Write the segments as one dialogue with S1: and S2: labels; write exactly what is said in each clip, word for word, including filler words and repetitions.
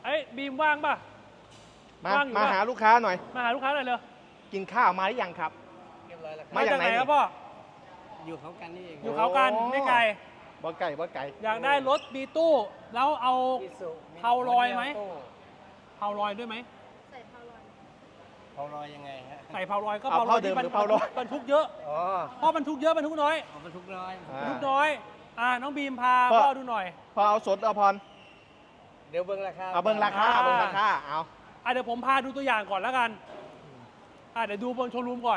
S1: ไอ้บีมว่างป่ะ
S2: มา
S1: ว่างอยู่
S2: มา
S1: ปะ
S2: หาลูกค้าหน่อย
S1: มาหาลูกค้าหน่อยเร็ว
S2: กินข้าวมาหรือยังครับ
S3: เรียบร้อยแล้วค
S1: มา
S3: รับ
S1: จากไหน
S2: มาจากไหน
S1: ครับพ่อ
S3: อยู่เขากันนี่เอง
S1: อยู่เขากันไม่ไกล
S2: บ่ไก่บ่ไก่
S1: อยากได้รถมีตู้ แล้วเอา
S3: อิสุ
S1: เผาลอยไหม
S3: โต้
S1: เผาลอยด้วยไหม
S4: ใส่พาวลอย
S3: เผาลอยยังไงฮะ
S1: ใส่เผาลอยก็
S2: เอา
S1: เผาล
S2: เผา
S1: อย
S2: เดิ
S1: ที่
S2: ม
S1: บร
S2: ห
S1: ร
S2: รือเผาลอย
S1: บรรทุกเยอะ
S2: อ๋อ
S1: พ่อบรรทุกเยอะบรรทุกน้อย
S3: เอาบรรทุกน้อย
S2: อ่า
S1: บรรทุกน้อย อ่าน้องบีมพา
S2: พ่อ
S1: พ่อดูหน่อย
S2: พอเอาสดเอาพร
S3: เดี๋ยวเบิ่งราคา
S2: เอาเบิ่งราคา
S1: อ่า
S2: เบิ่งราคาเอา
S1: อ่ะเดี๋ยวผมพาดูตัวอย่างก่อนแล้วกัน อ่ะเดี๋ยวดูบนโชว์รูมก่อน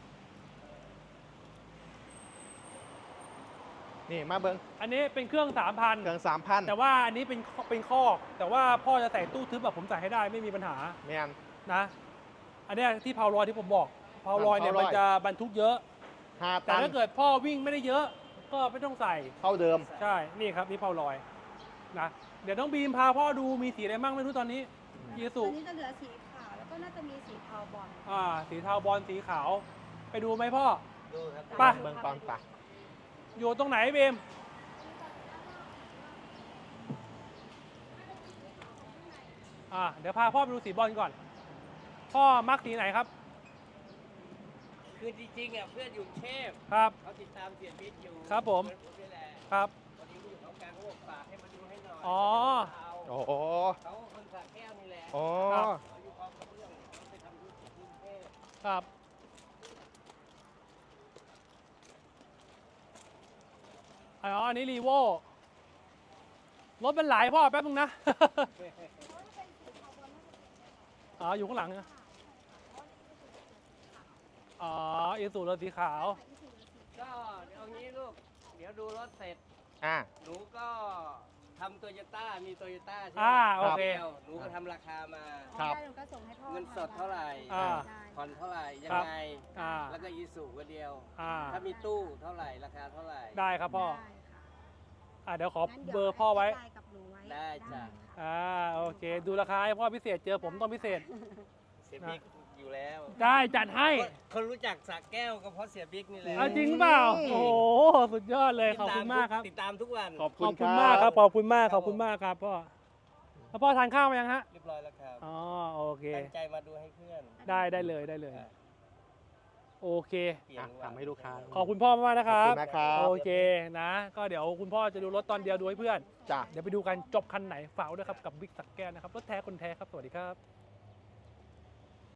S2: นี่มาเบิ่ง
S1: อันนี้เป็นเครื่องสามพัน
S2: เครื่องสามพัน
S1: แต่ว่าอันนี้เป็นเป็นคอกแต่ว่าพ่อจะใส่ตู้ทึบแบบผมใส่ให้ได้ไม่มีปัญหา
S2: แมน
S1: นะ อันเนี้ยที่เผาลอยที่ผมบอกเผาลอยเนี่ย
S2: เผาลอย
S1: มันจะบรรทุกเยอะ
S2: ห้า
S1: แต่
S2: ตัน
S1: ถ้าเกิดพ่อวิ่งไม่ได้เยอะ ก็ไม่ต้องใส่
S2: เท่าเดิม
S1: ใช่ นี่ครับนี่เผาลอยนะเดี๋ยวน้องบีมพาพ่อดูมีสีอะไรบ้างไม่รู้ตอนนี้ยี
S4: อั
S1: สุ
S4: นนี้จะเหลือสีขาวแล้วก็น่าจะมีสีเทาบอล
S1: อ่าสีเทาบอลสีขาว ไปดูไหมพ่อ
S3: ดูครับ
S1: ไป
S2: เบิ่งก่อนไป
S1: อยู่ตรงไหนบีมอ่าเดี๋ยวพาพ่อไปดูสีบอลก่อน พ่อมักสีไหนครับ
S3: คือจริงๆอ่ะเพื่อนอยู่กรุงเทพ
S1: ครับ
S3: เขาติดตามเสียบิ๊กอยู่
S1: ครับผม
S3: เหอนผมนี่แหละ
S1: ครับ
S3: วันนี้อยู่เขากลางเขาบอกฝากให้มาดูให้หน่อย
S1: อ๋อ
S3: เอา
S2: โอ้โห
S3: เขาคนสระแก้วนี่แหละ
S2: อ๋อ
S1: ครับ
S3: เขาอยู่กองกระเบื้องเขาไปทำธุรกิจที่กรุงเทพ
S1: ครับอ๋ออันนี้รีโวรถเป็นหลายพ่อแป๊บนึงนะ อ๋อ อยู่ข้างหลังนะอ๋ออีสูรถสีขาว
S3: ก็เอางี้ลูก เดี๋ยวดูรถเสร็จ
S2: อ่า
S3: หนูก็ทำโตโยต้า มีโตโยต้าใช่ไหม
S1: อ่าโอเค
S3: ดียวหนูก็ทำราคามา
S2: ครับ
S4: ได้หนูก็ส่งให้พ่อ
S3: เงินสดเท่าไหร่
S1: อ่า
S4: ได้
S3: ผ่อนเท่าไหร่ ยั
S1: ครั
S3: ง
S1: บ
S3: ไง
S1: อ่า
S3: แล้วก็อีสุก็เดียว
S1: อ่า
S3: ถ้ามีตู้เท่าไหร่ ราคาเท่าไหร่
S1: ได้ครับพ่อ
S4: ได้ค่ะ
S1: อ่าเดี๋ยวขอ
S4: งั้นดี๋ยว
S1: เบอร์พ่อไว้
S4: ให้กับหนูไว้
S3: ได้จ้ะ
S1: อ่า โอเค ดูราคาให้พ่อพิเศษ เจอผมต้องพิเศษ
S3: เสียบิ๊กอยู่แล้ว
S1: ได้จัดให้
S3: คนรู้จักสระแก้วก็เพราะเสียบิ๊กนี่แหละ
S1: เอาจริงเปล่า โอ้โห สุดยอดเลย ขอบคุณมากครับ
S3: ติดตามทุกวัน
S2: ขอบ
S1: ข
S2: คุ
S1: อ
S2: ณ
S1: บ
S2: ค
S1: คุณ
S2: รับ
S1: มากครับ ขอบคุณมาก ขอบคุณมากครับพ่อแล้วพ่อทานข้าวมายังฮะ
S3: เรียบร้อยแล้วครับ
S1: อ๋อ โอเค
S3: ตั้งใจมาดูให้เพื่อน
S1: ได้ได้เลยได้เลย โอเค
S3: เปลี่ยน
S2: อ่ะ
S3: วัน
S2: ทำให้ลูกค้า
S1: ขอบคุณพ่อมากๆนะค
S2: ขอบ
S1: รับ
S2: คุณนะครับ
S1: โอเคนะ ก็เดี๋ยวคุณพ่อจะดูรถตอนเดียวดูให้เพื่อน
S2: จ้ะ
S1: เดี๋ยวไปดูกันจบคันไหนฝากไว้ด้วยครับกับบิ๊กสักแก้วนะครับ รถแท้คนแท้ครับ สวัสดีครับ